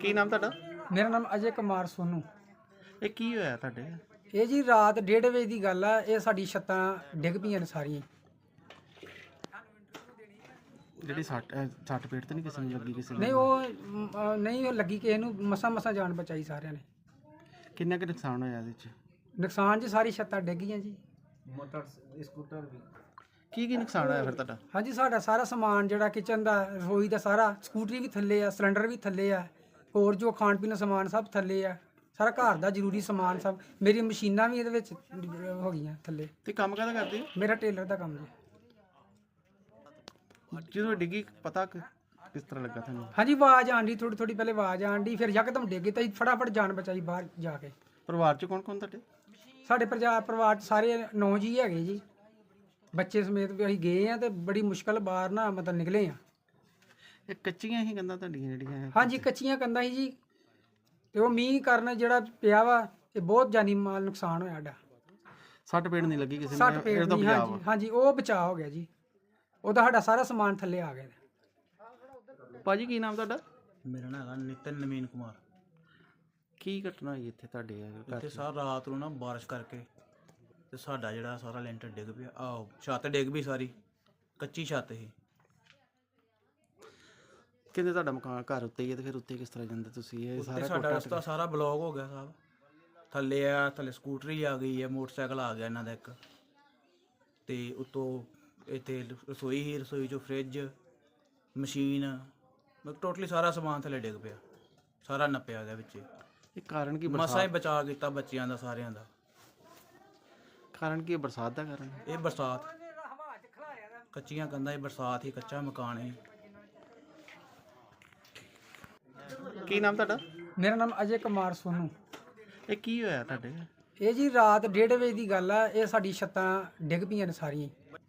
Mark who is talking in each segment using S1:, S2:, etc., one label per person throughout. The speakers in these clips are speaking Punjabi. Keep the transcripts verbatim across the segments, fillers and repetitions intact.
S1: ਕੀ ਨਾਮ ਤੁਹਾਡਾ?
S2: ਮੇਰਾ ਨਾਮ ਅਜੇ ਕੁਮਾਰ ਸੋਨੂ।
S1: ਇਹ ਕੀ ਹੋਇਆ ਤੁਹਾਡੇ?
S2: ਇਹ ਜੀ ਰਾਤ ਡੇਢ ਵਜੇ ਦੀ ਗੱਲ ਆ। ਇਹ ਸਾਡੀ ਛੱਤਾਂ ਡਿੱਗ ਪਈਆਂ ਨੇ ਸਾਰੀਆਂ।
S1: ਜਿਹੜੀ ਸੱਟ ਅਹ ਸੱਟ ਪੇਟ ਤੇ ਨਹੀਂ ਕਿਸੇ ਨੂੰ ਲੱਗੀ? ਕਿਸੇ
S2: ਨਹੀਂ
S1: ਨੂੰ
S2: ਉਹ ਮ, ਅ, ਨਹੀਂ ਉਹ ਲੱਗੀ ਕਿਸੇ ਨੂੰ। ਮਸਾ ਮਸਾ ਜਾਨ ਬਚਾਈ ਸਾਰਿਆਂ ਨੇ।
S1: ਕਿੰਨਾ ਕੁ ਨੁਕਸਾਨ ਹੋਇਆ ਇਹਦੇ ਚ?
S2: ਨੁਕਸਾਨ ਜੀ ਸਾਰੀ ਛੱਤਾਂ ਡਿੱਗ ਗਈਆਂ ਜੀ।
S3: ਮੋਟਰ ਸਕੂਟਰ ਵੀ।
S1: ਕੀ ਕੀ ਨੁਕਸਾਨ ਹੋਇਆ ਫਿਰ ਤੁਹਾਡਾ?
S2: ਹਾਂਜੀ ਸਾਡਾ ਸਾਰਾ ਸਮਾਨ ਜਿਹੜਾ ਕਿਚਨ ਦਾ, ਰਸੋਈ ਦਾ ਸਾਰਾ, ਸਕੂਟਰੀ ਵੀ ਥੱਲੇ ਆ, ਸਿਲੰਡਰ ਵੀ ਥੱਲੇ ਆ, ਹੋਰ ਜੋ ਖਾਣ ਪੀਣ ਦਾ ਸਮਾਨ ਸਭ ਥੱਲੇ ਆ। ਸਾਰਾ ਘਰ ਦਾ ਜ਼ਰੂਰੀ ਸਮਾਨ ਸਭ, ਮੇਰੀ ਮਸ਼ੀਨਾਂ ਵੀ ਇਹਦੇ ਵਿੱਚ ਹੋ ਗਈਆਂ ਥੱਲੇ।
S1: ਤੇ ਕੰਮ ਕਾਹਦਾ ਕਰਦੇ ਹੋ?
S2: ਮੇਰਾ ਟੇਲਰ ਦਾ ਕੰਮ ਜੀ।
S1: ਜਦੋਂ ਡਿੱਗੀ ਪਤਾ ਕਿ- ਕਿਸ ਤਰ੍ਹਾਂ ਲੱਗਾ ਤੁਹਾਨੂੰ?
S2: ਹਾਂਜੀ ਆਵਾਜ਼ ਆਂਦੀ, ਥੋੜੀ ਥੋੜੀ ਪਹਿਲੇ ਆਵਾਜ਼ ਆਂਦੀ, ਫਿਰ ਯਕਦਮ ਡਿੱਗ ਗਈ ਤਾਂ ਅਸੀਂ ਫਟਾਫਟ ਜਾਨ ਬਚਾਈ ਬਾਹਰ ਜਾ ਕੇ।
S1: ਪਰਿਵਾਰ ਚ ਕੌਣ ਕੌਣ ਤੁਹਾਡੇ?
S2: ਸਾਡੇ ਪਰਿਵਾਰ ਪਰਿਵਾਰ 'ਚ ਸਾਰੇ ਨੌ ਜੀ ਹੈਗੇ ਜੀ, ਬੱਚੇ ਸਮੇਤ ਵੀ ਅਸੀਂ ਗਏ ਆ ਤੇ ਬੜੀ ਮੁਸ਼ਕਲ ਬਾਹਰ ਨਾ ਮਤਲਬ ਨਿਕਲੇ ਆ।
S1: ਇਹ ਕੱਚੀਆਂ ਹੀ ਕੰਧਾਂ ਤੁਹਾਡੀਆਂ ਜਿਹੜੀਆਂ?
S2: ਹਾਂਜੀ ਕੱਚੀਆਂ ਕੰਧਾਂ ਸੀ ਜੀ, ਤੇ ਉਹ ਮੀਂਹ ਕਾਰਨ ਜਿਹੜਾ ਪਿਆ ਵਾ ਇਹ ਬਹੁਤ ਜਾਨੀ ਮਾਲ ਨੁਕਸਾਨ ਹੋਇਆ ਸਾਡਾ।
S1: ਸੱਟ ਪੇਟ ਨਹੀਂ ਲੱਗੀ ਕਿਸੇ
S2: ਸੱਟ
S1: ਨੂੰ?
S2: ਪੇਟ
S1: ਇਹਦਾ
S2: ਨਹੀਂ।
S1: ਬਚਾਅ
S2: ਹਾਂਜੀ ਹਾਂਜੀ ਉਹ ਬਚਾਅ ਹੋ ਗਿਆ ਜੀ। ਉਹਦਾ ਸਾਡਾ ਸਾਰਾ ਸਮਾਨ ਥੱਲੇ ਆ ਗਿਆ।
S1: ਭਾਜੀ ਕੀ ਨਾਮ ਤੁਹਾਡਾ?
S3: ਮੇਰਾ ਨਾਮ ਹੈਗਾ ਨਿਤਨ ਨਵੀਨ ਕੁਮਾਰ।
S1: ਕੀ ਘਟਨਾ ਹੋਈ ਇੱਥੇ ਤੁਹਾਡੇ ਘਰ
S3: ਇੱਥੇ
S1: ਚ?
S3: ਸਾਰ ਰਾਤ ਨੂੰ ਨਾ ਬਾਰਿਸ਼ ਕਰਕੇ ਤੇ ਸਾਡਾ ਜਿਹੜਾ ਸਾਰਾ ਲੈਂਟਰ ਡਿੱਗ ਪਿਆ। ਆਹ ਛੱਤ ਡਿੱਗ ਪਈ ਸਾਰੀ, ਕੱਚੀ ਛੱਤ ਸੀ।
S1: ਕਹਿੰਦੇ ਤੁਹਾਡਾ ਮਕਾਨ ਘਰ ਉੱਤੇ ਹੀ ਹੈ ਤੇ ਫਿਰ ਉੱਤੇ ਕਿਸ ਤਰ੍ਹਾਂ ਜਾਂਦੇ ਤੁਸੀਂ? ਇਹ
S3: ਉੱਤੇ
S1: ਸਾਰਾ
S3: ਸਾਡਾ
S1: ਟੁੱਟ
S3: ਰਸਤਾ ਸਾਰਾ ਬਲੌਕ ਹੋ ਗਿਆ ਸਾਹਿਬ। ਥੱਲੇ ਆ, ਥੱਲੇ ਸਕੂਟਰੀ ਆ ਗਈ ਹੈ, ਮੋਟਰਸਾਈਕਲ ਆ ਗਿਆ ਇਹਨਾਂ ਦਾ ਇੱਕ, ਤੇ ਉੱਤੋਂ ਇੱਥੇ ਰਸੋਈ ਹੀ, ਰਸੋਈ ਚੋਂ ਫਰਿੱਜ, ਮਸ਼ੀਨ, ਮਤਲਬ ਟੋਟਲੀ ਸਾਰਾ ਸਮਾਨ ਥੱਲੇ ਡਿੱਗ ਪਿਆ, ਸਾਰਾ ਨੱਪਿਆ ਗਿਆ ਵਿੱਚ।
S1: ਇਹ ਕਾਰਨ ਕੀ?
S3: ਮਸਾਂ ਹੀ
S1: ਬਰਸਾਤ?
S3: ਬਚਾ ਕੀਤਾ ਬੱਚਿਆਂ ਦਾ, ਸਾਰਿਆਂ ਦਾ।
S1: ਕਾਰਨ ਕੀ ਹੈ? ਬਰਸਾਤ ਦਾ ਕਾਰਨ?
S3: ਇਹ ਬਰਸਾਤ, ਕੱਚੀਆਂ ਕੰਧਾਂ, ਇਹ ਬਰਸਾਤ ਹੀ, ਕੱਚਾ ਮਕਾਨ ਹੈ।
S1: ਕੀ ਨਾਮ ਤੁਹਾਡਾ?
S2: ਮੇਰਾ ਨਾਮ ਅਜੇ ਕੁਮਾਰ ਸੋਨੂ।
S1: ਇਹ ਕੀ ਹੋਇਆ ਤੁਹਾਡੇ?
S2: ਇਹ ਜੀ ਰਾਤ ਡੇਢ ਵਜੇ ਦੀ ਗੱਲ ਆ। ਇਹ ਸਾਡੀ ਛੱਤਾਂ ਡਿੱਗ ਪਈਆਂ ਨੇ ਸਾਰੀਆਂ।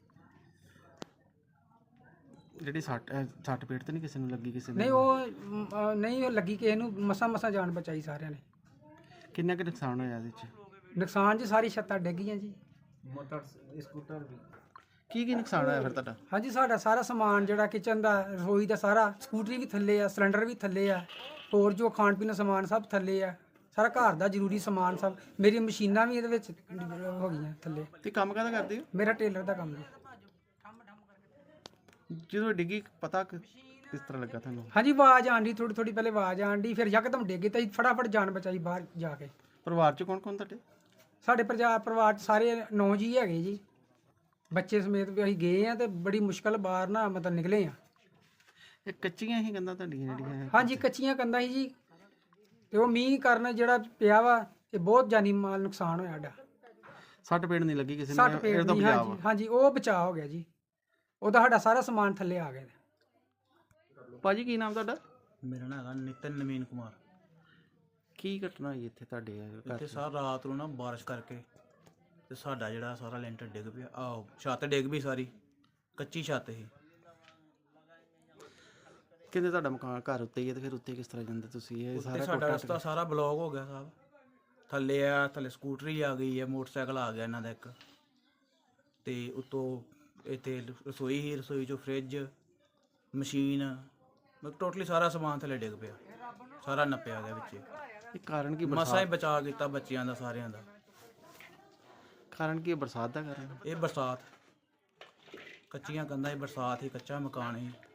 S1: ਜਿਹੜੀ ਸੱਟ ਅਹ ਸੱਟ ਪੇਟ ਤੇ ਨਹੀਂ ਕਿਸੇ ਨੂੰ ਲੱਗੀ? ਕਿਸੇ ਨੂੰ
S2: ਨਹੀਂ ਉਹ ਮ, ਅ, ਨਹੀਂ ਉਹ ਲੱਗੀ ਕਿਸੇ ਨੂੰ। ਮਸਾ ਮਸਾ ਜਾਨ ਬਚਾਈ ਸਾਰਿਆਂ ਨੇ।
S1: ਕਿੰਨਾ ਕੁ ਨੁਕਸਾਨ ਹੋਇਆ ਇਹਦੇ ਚ?
S2: ਨੁਕਸਾਨ ਜੀ ਸਾਰੀ ਛੱਤਾਂ ਡਿੱਗ ਗਈਆਂ ਜੀ।
S3: ਮੋਟਰ ਸਕੂਟਰ ਵੀ।
S1: ਕੀ ਕੀ ਨੁਕਸਾਨ ਹੋਇਆ ਫਿਰ ਤੁਹਾਡਾ?
S2: ਹਾਂਜੀ ਸਾਡਾ ਸਾਰਾ ਸਮਾਨ ਜਿਹੜਾ ਕਿਚਨ ਦਾ, ਰਸੋਈ ਦਾ ਸਾਰਾ, ਸਕੂਟਰੀ ਵੀ ਥੱਲੇ ਆ, ਸਿਲੰਡਰ ਵੀ ਥੱਲੇ ਆ, ਹੋਰ ਜੋ ਖਾਣ ਪੀਣ ਦਾ ਸਮਾਨ ਸਭ ਥੱਲੇ ਆ। ਸਾਰਾ ਘਰ ਦਾ ਜ਼ਰੂਰੀ ਸਮਾਨ ਸਭ, ਮੇਰੀ ਮਸ਼ੀਨਾਂ ਵੀ ਇਹਦੇ ਵਿੱਚ ਹੋ ਗਈਆਂ ਥੱਲੇ।
S1: ਤੇ ਕੰਮ ਕਾਹਦਾ ਕਰਦੇ ਹੋ?
S2: ਮੇਰਾ ਟੇਲਰ ਦਾ ਕੰਮ ਜੀ।
S1: ਜਦੋਂ ਡਿੱਗੀ ਪਤਾ ਕਿ- ਕਿਸ ਤਰ੍ਹਾਂ ਲੱਗਾ ਤੁਹਾਨੂੰ?
S2: ਹਾਂਜੀ ਆਵਾਜ਼ ਆਂਦੀ, ਥੋੜੀ ਥੋੜੀ ਪਹਿਲੇ ਆਵਾਜ਼ ਆਂਦੀ, ਫਿਰ ਯਕਦਮ ਡਿੱਗ ਗਈ ਤਾਂ ਅਸੀਂ ਫਟਾਫਟ ਜਾਨ ਬਚਾਈ ਬਾਹਰ ਜਾ ਕੇ।
S1: ਪਰਿਵਾਰ ਚ ਕੌਣ ਕੌਣ ਤੁਹਾਡੇ?
S2: ਸਾਡੇ ਪਰਿਵਾਰ ਪਰਿਵਾਰ 'ਚ ਸਾਰੇ ਨੌ ਜੀ ਹੈਗੇ ਜੀ, ਬੱਚੇ ਸਮੇਤ ਵੀ ਅਸੀਂ ਗਏ ਆ ਤੇ ਬੜੀ ਮੁਸ਼ਕਲ ਬਾਹਰ ਨਾ ਮਤਲਬ ਨਿਕਲੇ ਆ।
S1: ਇਹ ਕੱਚੀਆਂ ਹੀ ਕੰਧਾਂ ਤੁਹਾਡੀਆਂ ਜਿਹੜੀਆਂ?
S2: ਹਾਂਜੀ ਕੱਚੀਆਂ ਕੰਧਾਂ ਸੀ ਜੀ, ਤੇ ਉਹ ਮੀਂਹ ਕਾਰਨ ਜਿਹੜਾ ਪਿਆ ਵਾ ਇਹ ਬਹੁਤ ਜਾਨੀ ਮਾਲ ਨੁਕਸਾਨ ਹੋਇਆ ਸਾਡਾ।
S1: ਸੱਟ ਪੇਟ ਨਹੀਂ ਲੱਗੀ ਕਿਸੇ
S2: ਸੱਟ
S1: ਨੂੰ?
S2: ਪੇਟ
S1: ਇਹਦਾ
S2: ਨਹੀਂ।
S1: ਬਚਾਅ
S2: ਹਾਂਜੀ
S1: ਵਾ।
S2: ਹਾਂਜੀ ਉਹ ਬਚਾਅ ਹੋ ਗਿਆ ਜੀ। ਉਹਦਾ ਸਾਡਾ ਸਾਰਾ ਸਮਾਨ ਥੱਲੇ ਆ ਗਿਆ।
S1: ਭਾਜੀ ਕੀ ਨਾਮ ਤੁਹਾਡਾ?
S3: ਮੇਰਾ ਨਾਮ ਹੈਗਾ ਨਿਤਨ ਨਵੀਨ ਕੁਮਾਰ।
S1: ਕੀ ਘਟਨਾ ਹੋਈ ਇੱਥੇ ਤੁਹਾਡੇ ਘਰ
S3: ਇੱਥੇ
S1: ਚ?
S3: ਸਾਰ ਰਾਤ ਨੂੰ ਨਾ ਬਾਰਿਸ਼ ਕਰਕੇ ਤੇ ਸਾਡਾ ਜਿਹੜਾ ਸਾਰਾ ਲੈਂਟਰ ਡਿੱਗ ਪਿਆ। ਆਹ ਛੱਤ ਡਿੱਗ ਪਈ ਸਾਰੀ, ਕੱਚੀ ਛੱਤ ਸੀ।
S1: ਕਹਿੰਦੇ ਤੁਹਾਡਾ ਮਕਾਨ ਘਰ ਉੱਤੇ ਹੀ ਹੈ ਤੇ ਫਿਰ ਉੱਤੇ ਕਿਸ ਤਰ੍ਹਾਂ ਜਾਂਦੇ ਤੁਸੀਂ? ਇਹ
S3: ਉੱਤੇ
S1: ਸਾਰਾ
S3: ਸਾਡਾ
S1: ਟੁੱਟ
S3: ਰਸਤਾ ਸਾਰਾ ਬਲੌਕ ਹੋ ਗਿਆ ਸਾਹਿਬ। ਥੱਲੇ ਆ, ਥੱਲੇ ਸਕੂਟਰੀ ਆ ਗਈ ਹੈ, ਮੋਟਰਸਾਈਕਲ ਆ ਗਿਆ ਇਹਨਾਂ ਦਾ ਇੱਕ, ਤੇ ਉੱਤੋਂ ਇੱਥੇ ਰਸੋਈ ਹੀ, ਰਸੋਈ ਚੋਂ ਫਰਿੱਜ, ਮਸ਼ੀਨ, ਮਤਲਬ ਟੋਟਲੀ ਸਾਰਾ ਸਮਾਨ ਥੱਲੇ ਡਿੱਗ ਪਿਆ, ਸਾਰਾ ਨੱਪਿਆ ਗਿਆ ਵਿੱਚ।
S1: ਇਹ ਕਾਰਨ ਕੀ?
S3: ਮਸਾਂ ਹੀ
S1: ਬਰਸਾਤ?
S3: ਬਚਾ ਕੀਤਾ ਬੱਚਿਆਂ ਦਾ, ਸਾਰਿਆਂ ਦਾ।
S1: ਕਾਰਨ ਕੀ ਹੈ? ਬਰਸਾਤ ਦਾ ਕਾਰਨ?
S3: ਇਹ ਬਰਸਾਤ, ਕੱਚੀਆਂ ਕੰਧਾਂ, ਇਹ ਬਰਸਾਤ ਹੀ, ਕੱਚਾ ਮਕਾਨ ਹੈ।